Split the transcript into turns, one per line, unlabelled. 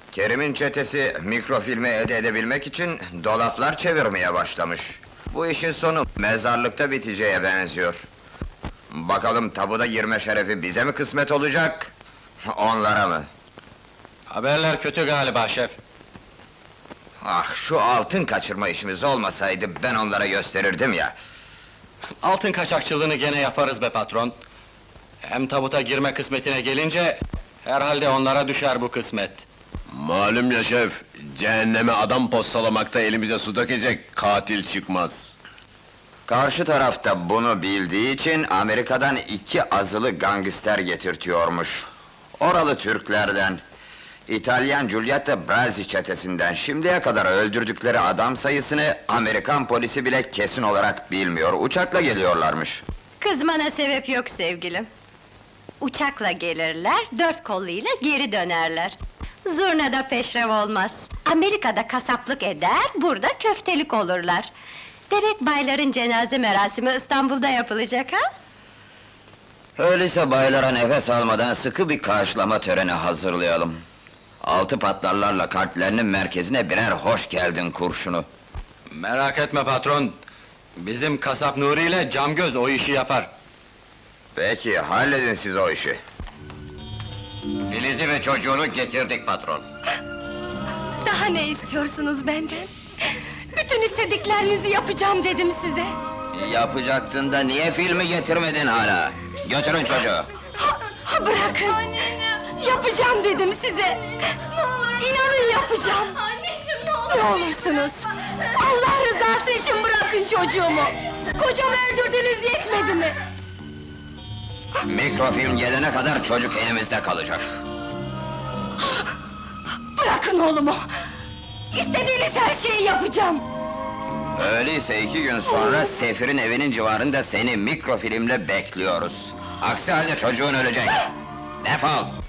Kerim'in çetesi mikrofilmi elde edebilmek için dolaplar çevirmeye başlamış. Bu işin sonu mezarlıkta biteceğe benziyor. Bakalım tabuda girme şerefi bize mi kısmet olacak, onlara mı?
Haberler kötü galiba şef.
Ah, şu altın kaçırma işimiz olmasaydı ben onlara gösterirdim ya.
Altın kaçakçılığını gene yaparız be patron. Hem tabuta girme kısmetine gelince... ...herhalde onlara düşer bu kısmet.
Malum ya şef, cehenneme adam postalamakta elimize su dökecek katil çıkmaz.
Karşı tarafta bunu bildiği için Amerika'dan 2 azılı gangster getirtiyormuş. Oralı Türklerden, İtalyan Giulietta Brazzi çetesinden şimdiye kadar öldürdükleri adam sayısını Amerikan polisi bile kesin olarak bilmiyor. Uçakla geliyorlarmış.
Kızmana sebep yok sevgilim. Uçakla gelirler, 4 kolluyla geri dönerler. Zurnada peşrev olmaz. Amerika'da kasaplık eder, burada köftelik olurlar. Demek bayların cenaze merasimi İstanbul'da yapılacak ha?
Öyleyse baylara nefes almadan sıkı bir karşılama töreni hazırlayalım. 6 patlarlarla kalplerinin merkezine birer hoş geldin kurşunu.
Merak etme patron. Bizim kasap Nuri ile Camgöz o işi yapar.
Peki, halledin siz o işi. Filiz'i ve çocuğunu getirdik patron.
Daha ne istiyorsunuz benden? Bütün istediklerinizi yapacağım dedim size.
Yapacaktın da niye filmi getirmedin hala? Götürün çocuğu.
Bırakın! Yapacağım dedim size! İnanın yapacağım!
Anneciğim ne olur!
Ne olursunuz! Allah rızası için bırakın çocuğumu! Kocamı öldürdünüz yetmedi mi?
Mikrofilm gelene kadar çocuk elimizde kalacak.
Bırakın oğlumu! İstediğiniz her şeyi yapacağım!
Öyleyse 2 gün sonra Sefir'in evinin civarında seni mikrofilmle bekliyoruz. Aksi halde çocuğun ölecek. Defol!